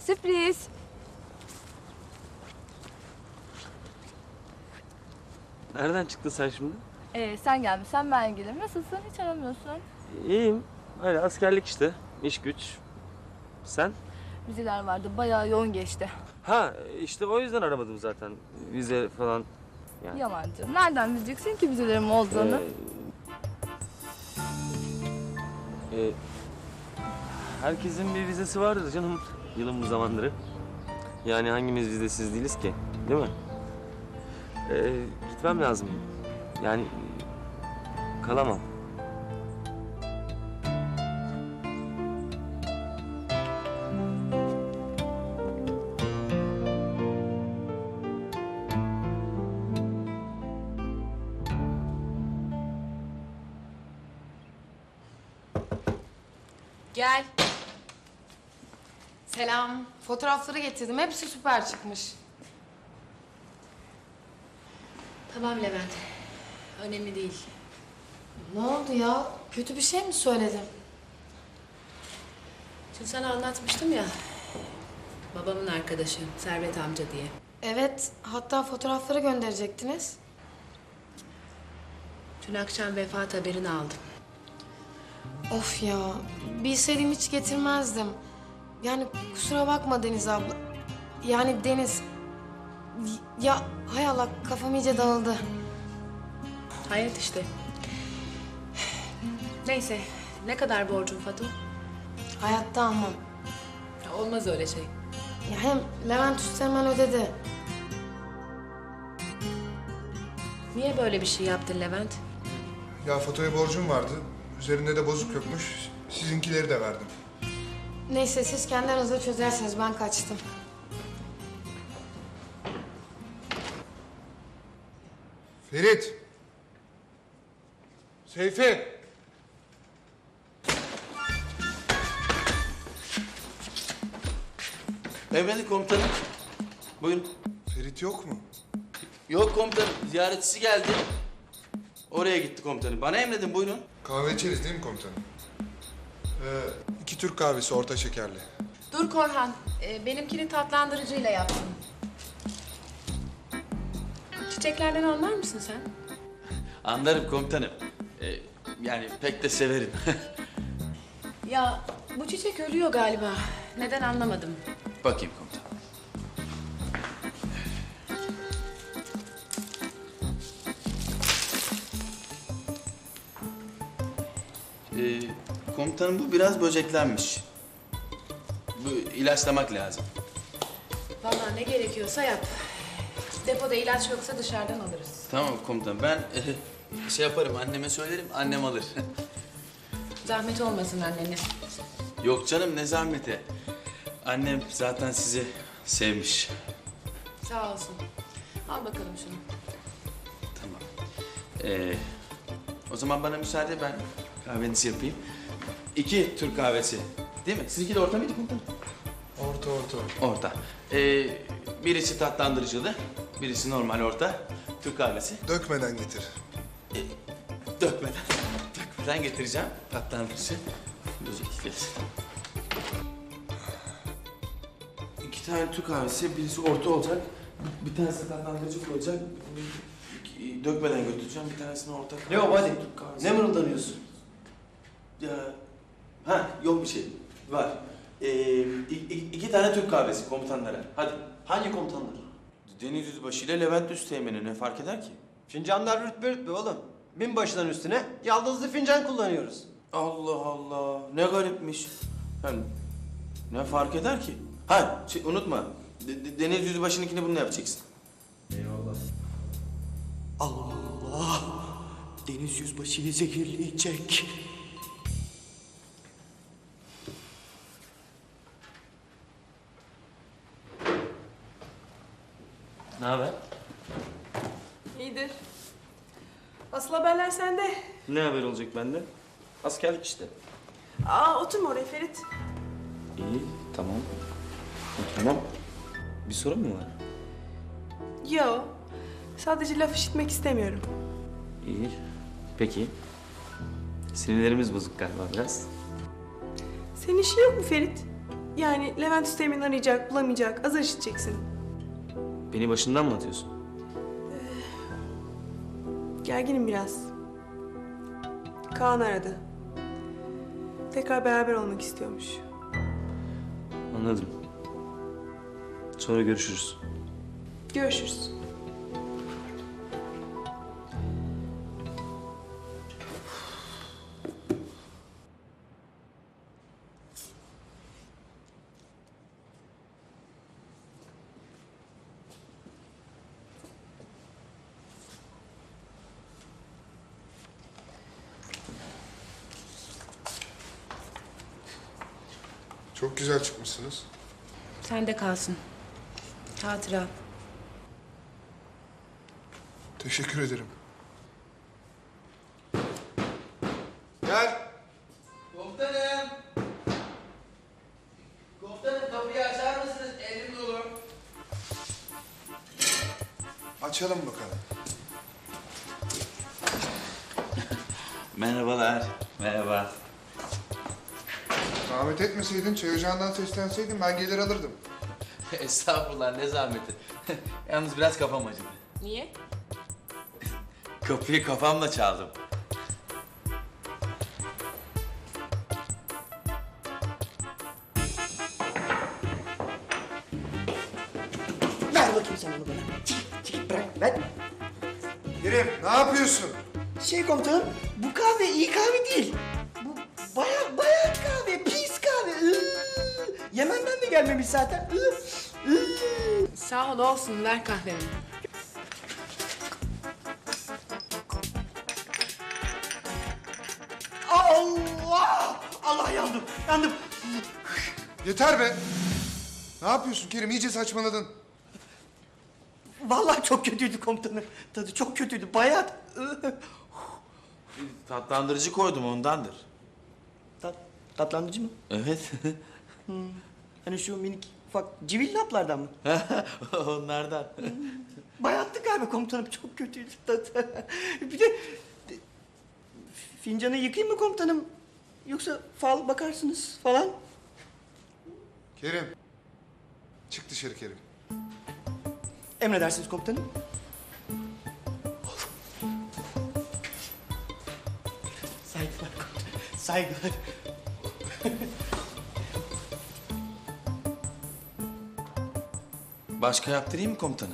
Sürpriz. Nereden çıktın sen şimdi? Sen gelmişsen ben gelirim. Nasılsın? Hiç aramıyorsun. İyiyim. Öyle askerlik işte. İş güç. Sen? Vizeler vardı. Bayağı yoğun geçti. Ha işte o yüzden aramadım zaten. Vize falan. Yani. Yalancı. Nereden bileceksin ki vizelerim olduğunu? Ee, herkesin bir vizesi vardır canım. Yılın bu zamanları. Yani hangimiz vizesiz değiliz ki? Değil mi? Gitmem lazım. Yani kalamam. Gel. Selam. Fotoğrafları getirdim. Hepsi süper çıkmış. Tamam Levent. Önemli değil. Ne oldu ya? Kötü bir şey mi söyledim? Şimdi sana anlatmıştım ya. Babamın arkadaşı Servet amca diye. Evet. Hatta fotoğrafları gönderecektiniz. Dün akşam vefat haberini aldım. Of ya. Bilseydim hiç getirmezdim. Yani kusura bakma Deniz abla. Yani Deniz. Ya hay Allah kafam iyice dağıldı. Hayat işte. Neyse. Ne kadar borcun Fatu? Hayatta almam. Ya olmaz öyle şey. Ya hem Levent Üsteğmen ödedi. Niye böyle bir şey yaptın Levent? Ya fotoya borcum vardı. Üzerinde de bozuk yokmuş. Sizinkileri de verdim. Neyse siz kendi aranızda çözersiniz. Ben kaçtım. Ferit! Seyfi! Emredin komutanım. Buyurun. Ferit yok mu? Yok komutanım, ziyaretçisi geldi. Oraya gitti komutanım. Bana emredin, buyurun. Kahve içeriz değil mi komutanım? 2 Türk kahvesi orta şekerli. Dur Korhan. Benimkini tatlandırıcıyla yaptım. Çiçeklerden anlar mısın sen? Anlarım komutanım. Yani pek de severim. Ya bu çiçek ölüyor galiba. Neden anlamadım. Bakayım komutanım. Komutanım bu biraz böceklenmiş. Bu ilaçlamak lazım. Vallahi ne gerekiyorsa yap. Depoda ilaç yoksa dışarıdan alırız. Tamam komutanım, ben şey yaparım, anneme söylerim, annem alır. Zahmet olmasın annene. Yok canım, ne zahmeti. Annem zaten sizi sevmiş. Sağ olsun. Al bakalım şunu. Tamam. O zaman bana müsaade, ben kahvenizi yapayım. 2 Türk kahvesi. Değil mi? Sizinki de orta mıydı komutanım? Orta. Orta. Birisi tatlandırıcılı, birisi normal orta. Türk kahvesi. Dökmeden getir. Dökmeden getireceğim. Tatlandırıcı. Özellikle. 2 tane Türk kahvesi, birisi orta olacak. Bir tanesi tatlandırıcı olacak. Dökmeden götüreceğim, bir tanesini orta. Ne o hadi? Türk kahvesi. Ne mırıldanıyorsun? Ya, yok bir şey. Var. 2 tane Türk kahvesi komutanlara. Hadi. Hangi komutanlar? Deniz Yüzbaşı ile Levent Üsteğmen'e ne fark eder ki? Fincanlar rütbe rütbe oğlum. Binbaşıların üstüne yaldızlı fincan kullanıyoruz. Allah Allah. Ne garipmiş. Yani ne fark eder ki? Ha, unutma. Deniz Yüzbaşı'nınkini bununla yapacaksın. Allah! Deniz yüzbaşıyı zehirleyecek. Ne haber? İyidir. Asıl haberler sende. Ne haber olacak bende? Askerlik işte. Oturma oraya Ferit. İyi, tamam. Tamam. Bir sorun mu var? Yo. Sadece laf işitmek istemiyorum. İyi. Peki. Sinirlerimiz bozuk galiba biraz. Senin işin yok mu Ferit? Yani Levent Üsteğmen arayacak, bulamayacak, azar işiteceksin. Beni başından mı atıyorsun? Gerginim biraz. Kaan aradı. Tekrar beraber olmak istiyormuş. Anladım. Sonra görüşürüz. Görüşürüz. Çok güzel çıkmışsınız. Sen de kalsın. Hatıra. Teşekkür ederim. Gel. Komutanım! Komutanım kapıyı açar mısınız? Elim dolu. Açalım bakalım. Merhabalar. Merhaba. Zahmet etmeseydin, çay ocağından seslenseydin ben gelir alırdım. Estağfurullah ne zahmeti. Yalnız biraz kafam acıdı. Niye? Kapıyı kafamla çaldım. Ver bakayım sen onu bana. Çekil bırak ver. Kerim, ne yapıyorsun? Komutanım, bu kahve iyi kahve değil. Bu bayat kahve, pis kahve. Yemen'den de gelmemiş zaten. Sağ ol olsun ver kahvemi. Allah! Allah yandım, yandım. Yeter be! Ne yapıyorsun Kerim? İyice saçmaladın. Vallahi çok kötüydü komutanım. Tadı çok kötüydü, bayat. Tatlandırıcı koydum ondandır. Tatlandırıcı mı? Evet. Hani şu minik ufak civil haplardan mı? Onlardan. Bayattı galiba komutanım, çok kötüydü tadı. Bir de fincanı yıkayayım mı komutanım? Yoksa fal bakarsınız falan. Kerim. Çık dışarı Kerim. Emredersiniz komutanım. Saygılar komutanım, saygılar. Başka yaptırayım mı komutanım?